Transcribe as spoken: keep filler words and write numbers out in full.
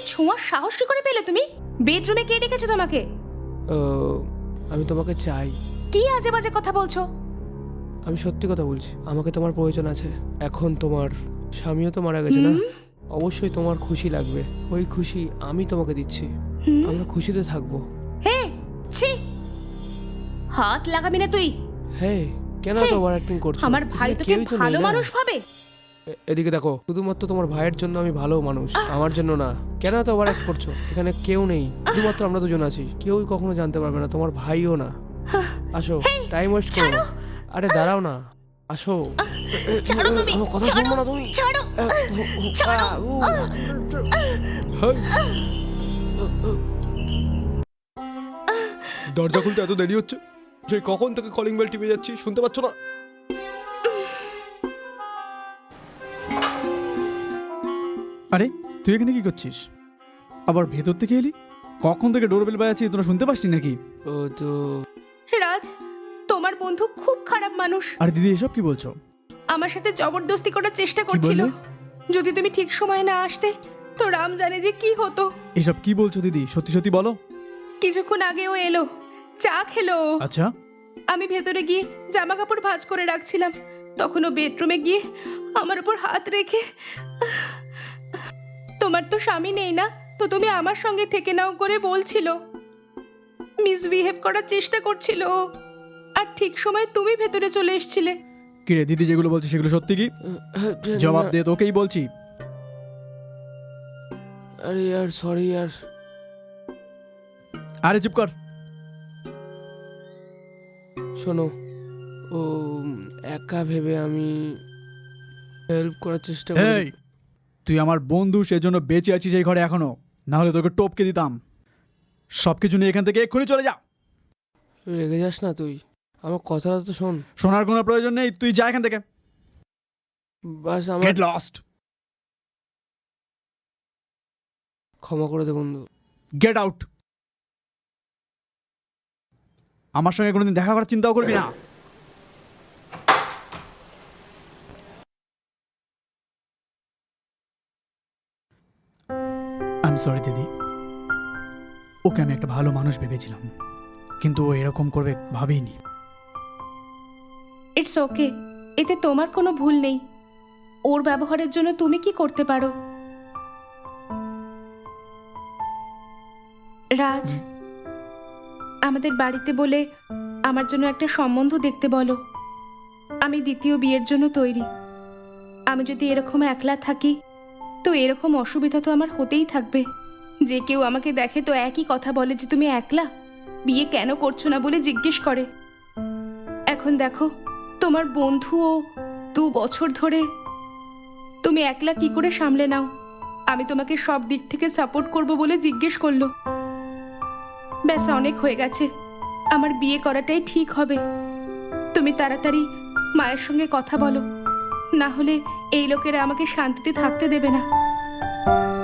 ছোঁয়ার সাহস কি করে পেলে তুমি? বেডরুমে কে ডেকেছে তোমাকে? ও, আমি তোমাকে চাই। কি আজে বাজে কথা বলছো? আমি সত্যি কথা বলছি, আমাকে তোমার প্রয়োজন আছে। এখন তোমার স্বামীও তো মারা গেছে না, অবশ্যই তোমার খুশি লাগবে। ওই খুশি আমি তোমাকে দিচ্ছি, আমরা খুশিতে থাকবো। হে ছি, হাত লাগাবি না তুই। হ্যাঁ, কেন হে, তো ওভার অ্যাক্টিং করছো? আমার ভাই এখানে তোকে কেউই তো নেই ভালো না। মানুষ ভাবে। এ- এদিকে দেখো, শুধুমাত্র তোমার ভাইয়ের জন্য আমি ভালো মানুষ, আমার জন্য না। কেন তো ওভার অ্যাক্ট করছো? এখানে কেউ নেই, শুধুমাত্র আমরা দুজন আছি। কেউই কখনো জানতে পারবে না, তোমার ভাইও না। আসো, টাইম ওয়েস্ট করো না। আরে দাঁড়াও না, আসো। ছাড়ো তুমি, আমার কথা ছাড়ো, শুনবো না তুমি? ছাড়ো, ছাড়ো। দরজা খুলতে এত দেরি হচ্ছে? সেই কখন থেকে কলিং বেল টিপে যাচ্ছি, শুনতে পাচ্ছ না? আরে তুই এখানে কি করছিস? আবার ভেতর থেকে এলি? কখন থেকে ডোরবেল বাজাচ্ছি, তোরা শুনতে পাসনি নাকি? ও তো রাজ, তোমার বন্ধু খুব খারাপ মানুষ। আরে দিদি, এসব কি বলছো? আমার সাথে জবরদস্তি করার চেষ্টা কি করছিল। বললে? যদি তুমি ঠিক সময় না আসতে তো রাম জানে যে কি হতো। এসব কি বলছো দিদি? সত্যি সত্যি বলো। কিছুক্ষণ আগে ও এলো, চা খেলো। আচ্ছা, আমি ভেতরে গিয়ে জামা কাপড় ভাঁজ করে রাখছিলাম, তখন ও বেডরুমে গিয়ে আমার উপর হাত রেখে, তোমার তো স্বামী নেই না, তো তুমি আমার সঙ্গে থেকে নাও করে বলছিল। মিসবিহেভ করার চেষ্টা করছিল ও। আর ঠিক সময় তুমি ভেতরে চলে এসেছিলে। কি রে দিদি, যেগুলো বলছি সেগুলো সত্যি কি? জবাব দে, তোকেই বলছি। আরে ইয়ার, সরি ইয়ার। আরে চুপ কর। শোনো, ও একা ভেবে আমি হেল্প করার চেষ্টা এই, করি। তুই আমার বন্ধু, সেজন্য বেঁচে আছিস এই ঘরে এখনো, না হলে তোকে টপকে দিতাম। সব কিছু নিয়ে এখান থেকে এক্ষুনি চলে যা। রেগে যাস না তুই, আমার কথাটা তো শোন। শোনার কোনো প্রয়োজন নেই, তুই যা এখান থেকে। বাস আমার গেট লস্ট। ক্ষমা করে দে বন্ধু। Get out. আমার সঙ্গে কোনোদিন দেখা করার চিন্তাও করবি না। আই এম সরি দিদি, ওকে আমি একটা ভালো মানুষ ভেবেছিলাম, কিন্তু ও এরকম করবে ভাবিনি। ইটস ওকে, এতে তোমার কোনো ভুল নেই। ওর ব্যবহারের জন্য তুমি কি করতে পারো? রাজ, আমাদের বাড়িতে বলে আমার জন্য একটা সম্বন্ধ দেখতে বলো। আমি দ্বিতীয় বিয়ের জন্য তৈরি। আমি যদি এরকম একলা থাকি তো এরকম অসুবিধা তো আমার হতেই থাকবে। যে কেউ আমাকে দেখে তো একই কথা বলে যে তুমি একলা, বিয়ে কেন করছো না বলে জিজ্ঞেস করে। এখন দেখো, তোমার বন্ধুও দু বছর ধরে, তুমি একলা কি করে সামলে নাও? আমি তোমাকে সব দিক থেকে সাপোর্ট করব বলে জিজ্ঞেস করলো। ব্যাস, অনেক হয়ে গেছে, আমার বিয়ে করাটাই ঠিক হবে। তুমি তাড়াতাড়ি মায়ের সঙ্গে কথা বলো, না হলে এই লোকেরা আমাকে শান্তিতে থাকতে দেবে না।